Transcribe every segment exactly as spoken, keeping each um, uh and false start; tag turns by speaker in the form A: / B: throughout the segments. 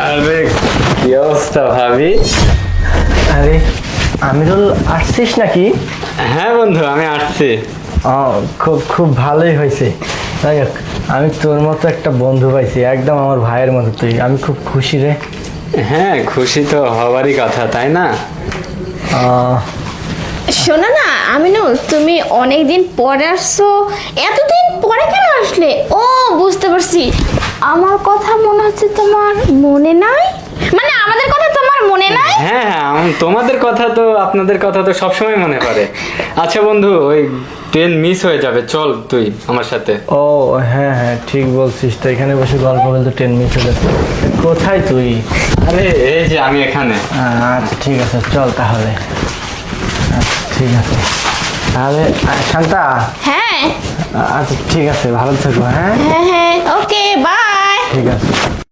A: আরে কি অবস্থা ভাবি?
B: আরে আমিরুল, আসছিস নাকি?
A: হ্যাঁ বন্ধু, আমি আসছি।
B: ও, খুব খুব ভালোই হয়েছে। যাই হোক, আমি তোর মতো একটা বন্ধু পাইছি, একদম আমার ভাইয়ের মতো তুই। আমি খুব খুশি রে।
A: হ্যাঁ, খুশি তো হওয়ারই কথা, তাই না?
B: আহ,
C: শোনো না আমিনুল, তুমি অনেকদিন পরে আসছো, এতদিন পরে কেন আসলে? ও বুঝতে পারছি, আমার কথা মনে হচ্ছে তোমার মনে নাই, মানে আমাদের কথা তোমার মনে নাই।
A: হ্যাঁ হ্যাঁ, আম- তোমাদের কথা তো, আপনাদের কথা তো সবসময় মনে পড়ে। আচ্ছা বন্ধু, ওই ট্রেন মিস হয়ে যাবে, চল তুই আমার সাথে।
B: ও হ্যাঁ হ্যাঁ, ঠিক বলছিস। তো এখানে বসে গল্প বলতে ট্রেন মিস হয়ে যাচ্ছে। কোথায় তুই?
A: আরে এই যে আমি এখানে।
B: আচ্ছা ঠিক আছে, চল তাহলে। আচ্ছা ঠিক আছে তাহলে। আহ, শান্তা।
C: হ্যাঁ
B: আচ্ছা ঠিক আছে, ভালো থেকো। হ্যাঁ
C: হ্যাঁ হ্যাঁ, ওকে বাই।
B: ঠিক আছে।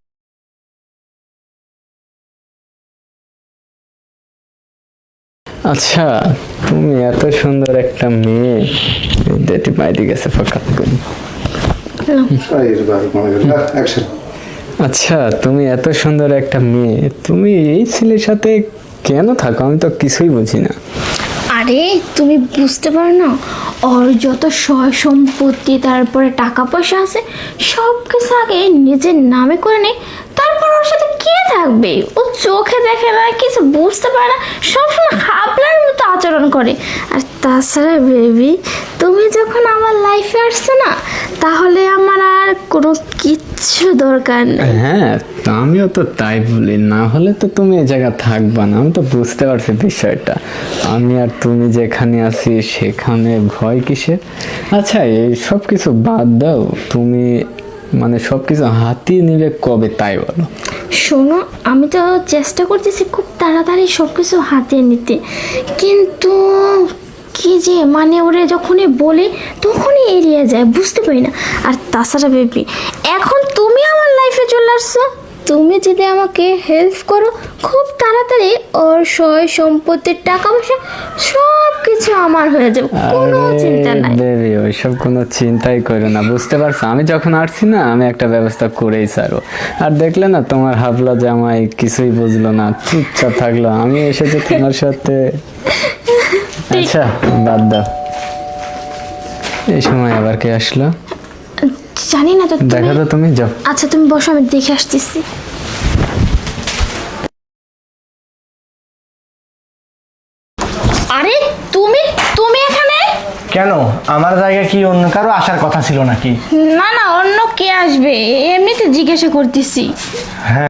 A: আচ্ছা, তুমি এত সুন্দর একটা মেয়ে, যেটি বাইরে গেছে ফকাত করি।
D: অ্যাকশন।
A: আচ্ছা, তুমি এত সুন্দর একটা মেয়ে, তুমি এই ছেলের সাথে কেন থাকো? আমি তো কিছুই বুঝি না।
C: আরে তুমি বুঝতে পারো না, ওর যত সয় সম্পত্তি তারপরে টাকা পয়সা আছে সব কিছু আগে নিজের নামে করে নেয়, তারপর ওর সাথে কে থাকবে? ও চোখে দেখে না, কিছু বুঝতে পারে না, সবসময় হাবলার মতো আচরণ করে। আর তাছাড়া বেবি, তুমি যখন আমার লাইফে আসছো না, তাহলে আমার আর কোনো কিচ্ছু দরকার নেই।
A: হ্যাঁ, তো আমিও তো তাই বলি, না হলে তো তুমি এই জায়গা থাকবা না। আমি তো বুঝতে পারছি বিষয়টা। আমি আর তুমি যেখানে আছি সেখানে ভয় কিসের? আচ্ছা, এই সব কিছু বাদ দাও। তুমি মানে সব কিছু হাতিয়ে নিলে কবে, তাই বলো?
C: শোনো, আমি তো চেষ্টা করতেছি খুব তাড়াতাড়ি সব কিছু হাতিয়ে নিতে, কিন্তু কি যে মানে ওরে যখনই বলে তখনই এড়িয়ে যায়, বুঝতে পারি না। আর তাছাড়া বেবি, এখন তুমি আমার লাইফে চলে আসছো, তুমি যদি আমাকে হেল্প করো, খুব তাড়াতাড়ি ওর সয় সম্পত্তির টাকা পয়সা সব কিছু আমার হয়ে যাবে, কোনো চিন্তা নাই।
A: বেবি, ওইসব কোনো চিন্তাই করো না, বুঝতে পারছো? আমি যখন আসছি না, আমি একটা ব্যবস্থা করেই ছাড়ো। আর দেখলে না, তোমার হাবলা জামাই কিছুই বুঝলো না, চুপচাপ থাকলো। আমি এসেছি তোমার সাথে। আচ্ছা বাদ দাও, এই সময় আবার কে আসলো?
C: জানি না তো, তুমি-
A: দেখো তো, তুমি যাও।
C: আচ্ছা তুমি বসো, আমি দেখে আসতেছি। আরে তুমি তুমি এখানে?
B: কেন, আমার জায়গায় কি অন্য কারো আসার কথা ছিল নাকি?
C: না না, অন্য কে আসবে, এমনিতে জিজ্ঞাসা করতেছি।
B: হ্যাঁ